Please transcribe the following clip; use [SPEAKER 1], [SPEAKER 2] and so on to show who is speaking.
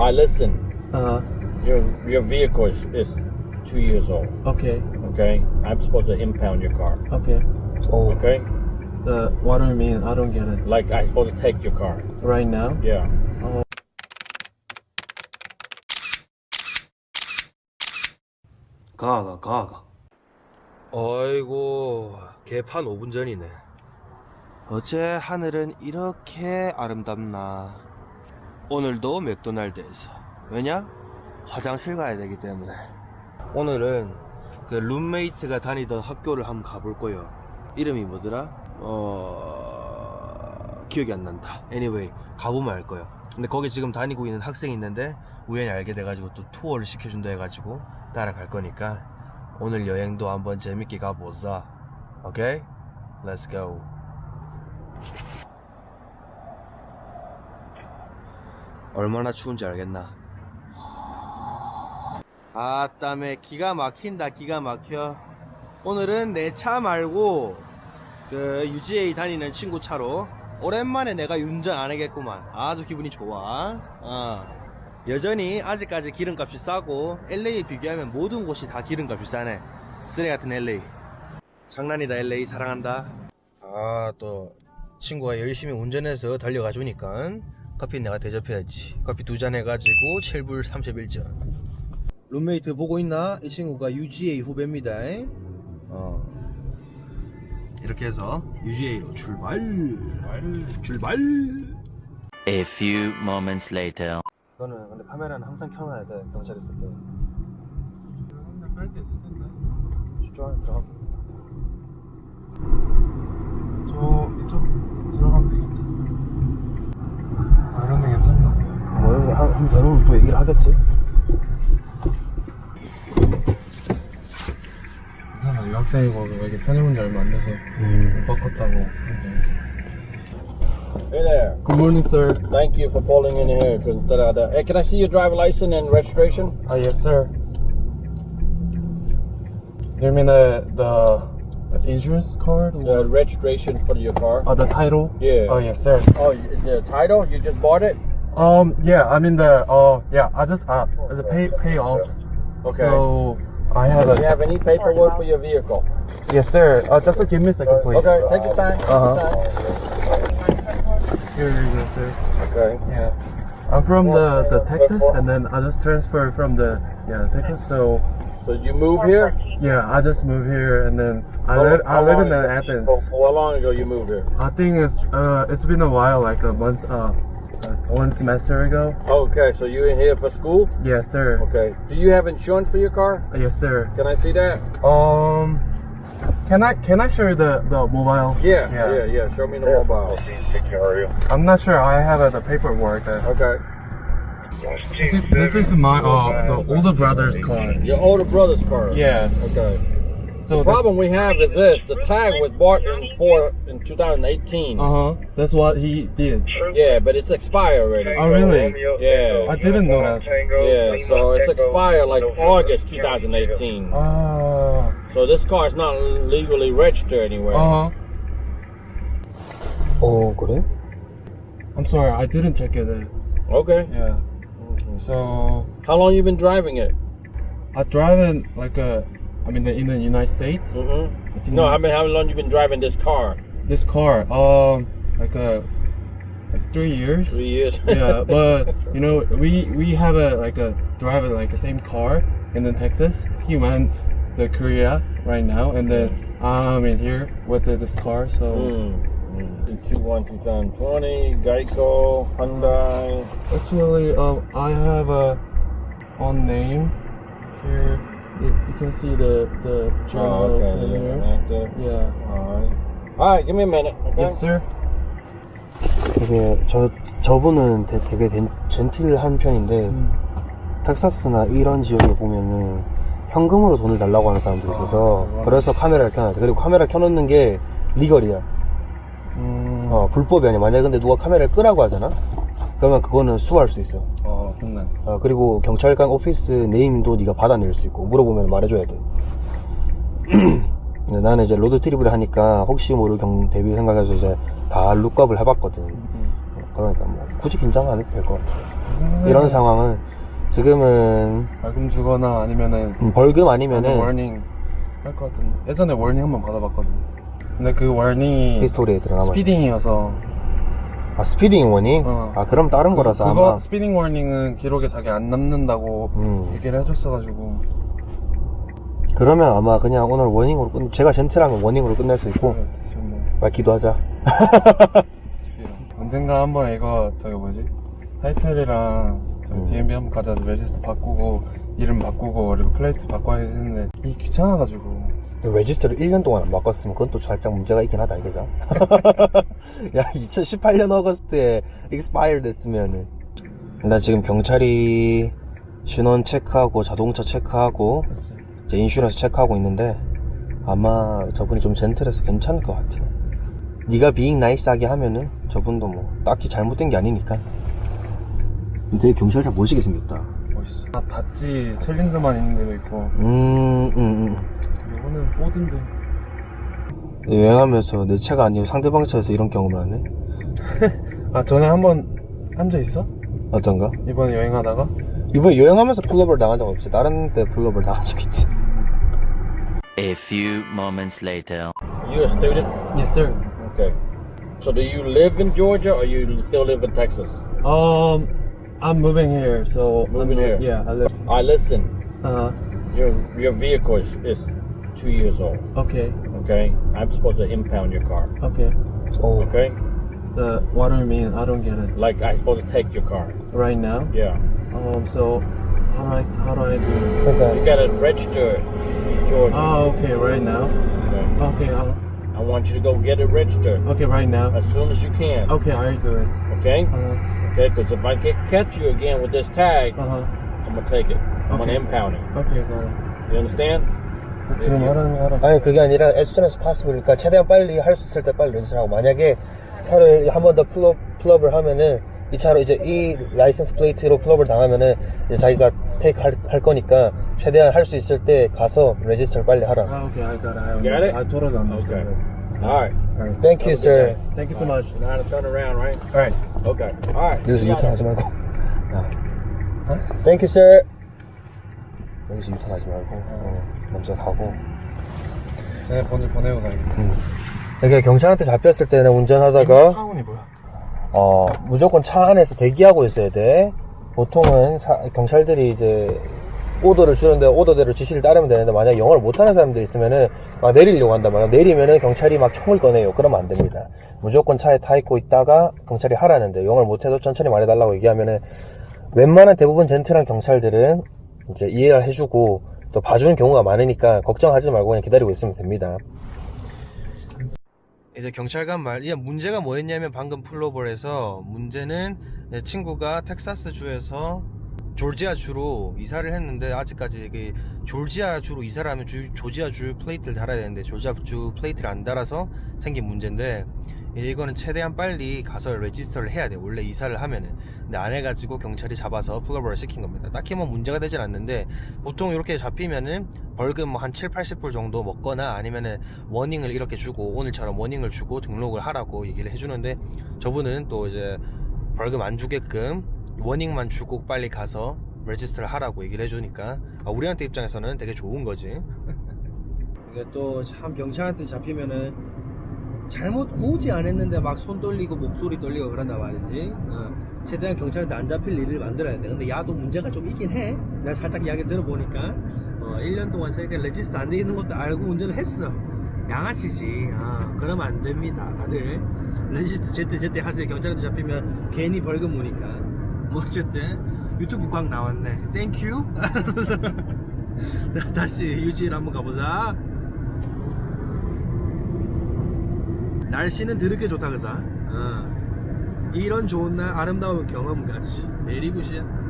[SPEAKER 1] Alright, listen.
[SPEAKER 2] Uh,
[SPEAKER 1] Your vehicle is 2 years old.
[SPEAKER 2] okay,
[SPEAKER 1] Okay? I'm supposed to impound your car.
[SPEAKER 2] okay.
[SPEAKER 1] Okay?
[SPEAKER 2] What do you mean? I don't get it.
[SPEAKER 1] Like I'm supposed to take your car.
[SPEAKER 2] right now?
[SPEAKER 1] Yeah.
[SPEAKER 3] 가가.
[SPEAKER 4] 어이구 개판 5분 전이네. 어째 하늘은 이렇게 아름답나. 오늘도 맥도날드에서. 왜냐? 화장실 가야 되기 때문에. 오늘은 그 룸메이트가 다니던 학교를 한번 가볼 거예요. 이름이 뭐더라? 기억이 안 난다. anyway 가보면 알 거예요. 근데 거기 지금 다니고 있는 학생이 있는데 우연히 알게 돼가지고 또 투어를 시켜준다 해가지고 따라갈 거니까 오늘 여행도 한번 재밌게 가보자. 오케이? Let's go. 얼마나 추운지 알겠나? 아따매 기가 막힌다. 기가 막혀. 오늘은 내 차 말고 그 UGA 다니는 친구 차로 오랜만에 내가 운전 안 하겠구만. 아주 기분이 좋아. 여전히 아직까지 기름값이 싸고 LA 비교하면 모든 곳이 다 기름값이 싸네. 쓰레 같은 LA. 장난이다. LA 사랑한다. 또 친구가 열심히 운전해서 달려가 주니까 커피 내가 대접해야지. 커피 2잔 해가지고 7불 31전. 룸메이트 보고 있나? 이 친구가 UGA 후배입니다. 이렇게 해서 UGA로 출발.
[SPEAKER 5] A few moments later.
[SPEAKER 4] 너는 근데 카메라는 항상 켜놔야 돼. 경찰 있을 때.
[SPEAKER 2] 할때 있을 텐데.
[SPEAKER 4] 저쪽 안에 들어가면 되겠다.
[SPEAKER 2] 저 이쪽 들어가면 되겠다. 이런 데 괜찮나?
[SPEAKER 4] 뭐 한 배우면 또 얘기를 하겠지.
[SPEAKER 2] 괜찮아. 유학생이고 여기 편입은 지 얼마 안 돼서 못 바꿨다고 하는데.
[SPEAKER 1] Hey there.
[SPEAKER 2] Good morning, sir.
[SPEAKER 1] Thank you for pulling in here. Hey, can I see your driver license and registration?
[SPEAKER 2] Yes, sir. You mean the insurance card?
[SPEAKER 1] The registration for your car?
[SPEAKER 2] The title?
[SPEAKER 1] Yeah.
[SPEAKER 2] Oh, yes, sir.
[SPEAKER 1] Oh, is the title? You just bought it?
[SPEAKER 2] Yeah, I mean yeah, I just pay off.
[SPEAKER 1] Okay.
[SPEAKER 2] So I have
[SPEAKER 1] Do you have any paperwork for your vehicle?
[SPEAKER 2] yes, sir. Just give me a second, please.
[SPEAKER 1] Okay, take your time.
[SPEAKER 2] Here you go, sir.
[SPEAKER 1] Okay.
[SPEAKER 2] Yeah. I'm from the Texas, and then I just transferred from the Texas. So
[SPEAKER 1] So you move here?
[SPEAKER 2] yeah, I just moved here, and then I
[SPEAKER 1] How
[SPEAKER 2] live in
[SPEAKER 1] long-
[SPEAKER 2] Athens.
[SPEAKER 1] How long ago you moved here?
[SPEAKER 2] I think it's been a while, like a month, 1 semester ago.
[SPEAKER 1] Okay, so you in here for school?
[SPEAKER 2] Yes, sir.
[SPEAKER 1] Okay. Do you have insurance for your car?
[SPEAKER 2] Yes, sir.
[SPEAKER 1] Can I see that?
[SPEAKER 2] Can I show you the mobile?
[SPEAKER 1] Yeah. Show me the mobile.
[SPEAKER 2] I'm not sure. I have the paperwork.
[SPEAKER 1] Okay.
[SPEAKER 2] This is my the older brother's car.
[SPEAKER 1] Your older brother's car?
[SPEAKER 2] Yes.
[SPEAKER 1] Okay.
[SPEAKER 2] So
[SPEAKER 1] The problem we have is this: the tag was bought in 2018.
[SPEAKER 2] That's what he did.
[SPEAKER 1] Yeah, but it's expired already.
[SPEAKER 2] Oh, really?
[SPEAKER 1] Yeah.
[SPEAKER 2] I didn't know that.
[SPEAKER 1] Yeah, so it's expired like August 2018. So this car is not legally registered anywhere.
[SPEAKER 4] 그래?
[SPEAKER 2] I'm sorry, I didn't check it.
[SPEAKER 1] Okay.
[SPEAKER 2] Yeah. So
[SPEAKER 1] How long you been driving it?
[SPEAKER 2] I drive in in the United States.
[SPEAKER 1] Mm-hmm. No, how long you been driving this car?
[SPEAKER 2] This car, like 3 years.
[SPEAKER 1] 3 years.
[SPEAKER 2] Yeah, but we have a driver like the same car in Texas. He went to Korea right now, and then I'm in here with this car. So
[SPEAKER 1] 2020, Geico, Hyundai.
[SPEAKER 2] actually, I have on name here. You can see the journal in here.
[SPEAKER 1] Active.
[SPEAKER 2] Yeah.
[SPEAKER 1] Alright, give me a minute. Okay?
[SPEAKER 2] Yes, sir.
[SPEAKER 4] 되게 저분은 되게 젠틀한 편인데 텍사스나 이런 지역에 보면은 현금으로 돈을 달라고 하는 사람들이 있어서 그래서 카메라를 켜놔야 돼. 그리고 카메라 켜놓는 게 리걸이야. 불법이 아니야. 만약에 근데 누가 카메라를 끄라고 하잖아? 그러면 그거는 수할 수 있어.
[SPEAKER 2] 좋네.
[SPEAKER 4] 그리고 경찰관 오피스 네임도 네가 받아낼 수 있고 물어보면 말해줘야 돼. 근데 나는 이제 로드 트립을 하니까 혹시 모를 대비 생각해서 이제 다 룩업을 해봤거든.
[SPEAKER 3] 그러니까 뭐 굳이 긴장 안 해도 될 것 같아. 이런 상황은 지금은
[SPEAKER 2] 벌금 주거나 아니면은
[SPEAKER 3] 벌금 아니면은
[SPEAKER 2] 워닝 할 것 같은데. 예전에 워닝 한번 받아봤거든. 근데 그 워닝이
[SPEAKER 3] 히스토리에 들어가면
[SPEAKER 2] 스피딩이어서.
[SPEAKER 3] 아 스피딩 워닝?
[SPEAKER 2] 어.
[SPEAKER 3] 아 그럼 다른 거라서
[SPEAKER 2] 그거
[SPEAKER 3] 아마
[SPEAKER 2] 스피딩 워닝은 기록에 자기 안 남는다고 얘기를 해줬어가지고.
[SPEAKER 3] 그러면 아마 그냥 오늘 워닝으로 제가 젠틀하면 워닝으로 끝낼 수 있고
[SPEAKER 2] 지금 뭐
[SPEAKER 3] 말 기도하자.
[SPEAKER 2] 언젠가 한번 이거 저기 뭐지 타이틀이랑 DMB 한번 가져와서 레지스터 바꾸고 이름 바꾸고 그리고 플레이트 바꿔야 되는데 이 귀찮아가지고.
[SPEAKER 3] 레지스터를 1년 동안 안 바꿨으면 그건 또 살짝 문제가 있긴 하다 이거죠. 야 2018년 어거스트에 expired 됐으면은 나 지금 경찰이 신원 체크하고 자동차 체크하고 이제 인슈런스 체크하고 있는데 아마 저분이 좀 젠틀해서 괜찮을 것 같아요. 네가 being nice하게 하면은 저분도 뭐 딱히 잘못된 게 아니니까. 되게 경찰차 멋있게 생겼다.
[SPEAKER 2] 멋있어. 아, 다찌 챌린저만 있는 데도 있고. 이거는 포드인데.
[SPEAKER 3] 여행하면서 내 차가 아니고 상대방 차에서 이런 경험을 하네.
[SPEAKER 2] 아 전에 한번 한 적 있어?
[SPEAKER 3] 어떤가?
[SPEAKER 2] 이번에 여행하다가?
[SPEAKER 3] 이번에 여행하면서 풀업을 당한 적 없지. 다른 데 풀업을 당한 적 있지.
[SPEAKER 5] A few moments later.
[SPEAKER 1] You a student?
[SPEAKER 2] Yes sir.
[SPEAKER 1] Okay. So do you live in Georgia or you still live in Texas?
[SPEAKER 2] I'm moving here, so
[SPEAKER 1] Moving here.
[SPEAKER 2] Yeah, I live.
[SPEAKER 1] Alright, listen. Your vehicle is 2 years old.
[SPEAKER 2] Okay.
[SPEAKER 1] Okay. I'm supposed to impound your car.
[SPEAKER 2] Okay.
[SPEAKER 3] 오.
[SPEAKER 1] Okay.
[SPEAKER 2] What do you mean? I don't get it.
[SPEAKER 1] Like I'm supposed to take your car.
[SPEAKER 2] right now.
[SPEAKER 1] Yeah.
[SPEAKER 2] So how do I do it?
[SPEAKER 1] You
[SPEAKER 3] 그러니까
[SPEAKER 1] gotta register in Georgia.
[SPEAKER 2] Oh, okay, right now.
[SPEAKER 1] Okay.
[SPEAKER 2] Okay,
[SPEAKER 1] I want you to go get it registered
[SPEAKER 2] okay, right now.
[SPEAKER 1] as soon as you can.
[SPEAKER 2] Okay, I'll do it.
[SPEAKER 1] Okay.
[SPEAKER 2] Uh,
[SPEAKER 1] Okay. Because if I catch you again with this tag,
[SPEAKER 2] uh-huh.
[SPEAKER 1] I'm gonna take it. I'm gonna
[SPEAKER 2] Okay.
[SPEAKER 1] impound it.
[SPEAKER 2] Okay, got it.
[SPEAKER 1] You understand?
[SPEAKER 2] 지금 하라는 거 하라.
[SPEAKER 3] 아니 그게 아니라 as soon as possible. 그러니까 최대한 빨리 할 수 있을 때 빨리 레지스트하고 만약에 차를 한 번 더 풀업을 하면은 이 차로 이제 이 라이센스 플레이트로 풀업을 당하면은 이제 자기가 테이크 할 거니까 최대한 할 수 있을 때 가서 레지스트를 빨리 하라.
[SPEAKER 2] Okay, I got it.
[SPEAKER 1] Got it?
[SPEAKER 2] I totally understand.
[SPEAKER 1] Okay. All right.
[SPEAKER 2] All right.
[SPEAKER 3] Thank you, sir.
[SPEAKER 2] Thank you so much.
[SPEAKER 1] You know how to turn around, right?
[SPEAKER 2] All right.
[SPEAKER 1] Okay. All right.
[SPEAKER 3] 여기서 유턴하지 말고. Thank you, sir. 여기서 유턴하지 말고 먼저 가고.
[SPEAKER 2] 제가 보내고 가야겠다.
[SPEAKER 3] 이렇게 경찰한테 잡혔을 때는 운전하다가
[SPEAKER 2] 타운이 뭐야?
[SPEAKER 3] 무조건 차 안에서 대기하고 있어야 돼. 보통은 경찰들이 이제 오더를 주는데 오더대로 지시를 따르면 되는데 만약 영어를 못하는 사람들이 있으면은 막 내리려고 한단 말이야. 내리면은 경찰이 막 총을 꺼내요. 그러면 안 됩니다. 무조건 차에 타 있고 있다가 경찰이 하라는데 영어를 못해도 천천히 말해달라고 얘기하면은 웬만한 대부분 젠틀한 경찰들은 이제 이해를 해주고 또 봐주는 경우가 많으니까 걱정하지 말고 그냥 기다리고 있으면 됩니다.
[SPEAKER 4] 이제 경찰관 말, 이게 문제가 뭐였냐면 방금 풀로버에서 문제는 내 친구가 텍사스주에서 조지아주로 이사를 했는데 아직까지 그 조지아주로 이사를 하면 조지아주 플레이트를 달아야 되는데 조지아주 플레이트를 안 달아서 생긴 문제인데 이제 이거는 최대한 빨리 가서 레지스터를 해야 돼. 원래 이사를 하면은. 근데 안 해가지고 경찰이 잡아서 풀로버를 시킨 겁니다. 딱히 뭐 문제가 되진 않는데 보통 이렇게 잡히면은 벌금 뭐 한 7, 80불 정도 먹거나 아니면은 워닝을 이렇게 주고 오늘처럼 워닝을 주고 등록을 하라고 얘기를 해주는데 저분은 또 이제 벌금 안 주게끔 워닝만 주고 빨리 가서 레지스터를 하라고 얘기를 해주니까 우리한테 입장에서는 되게 좋은 거지. 이게 또 참 경찰한테 잡히면은 잘못 굳이 안 했는데 막 손 떨리고 목소리 떨리고 그런단 말이지. 최대한 경찰한테 안 잡힐 일을 만들어야 돼. 근데 야도 문제가 좀 있긴 해. 내가 살짝 이야기 들어보니까 1년 동안 저희가 레지스터 안 돼 있는 것도 알고 운전을 했어. 양아치지. 그러면 안 됩니다. 다들 레지스터 제때 하세요. 경찰한테 잡히면 괜히 벌금 오니까. 뭐 어쨌든 유튜브 광 나왔네. 땡큐. 다시 유지일 한번 가보자. 날씨는 드럽게 좋다 그자. 이런 좋은 날 아름다운 경험까지. 메리 굿이야.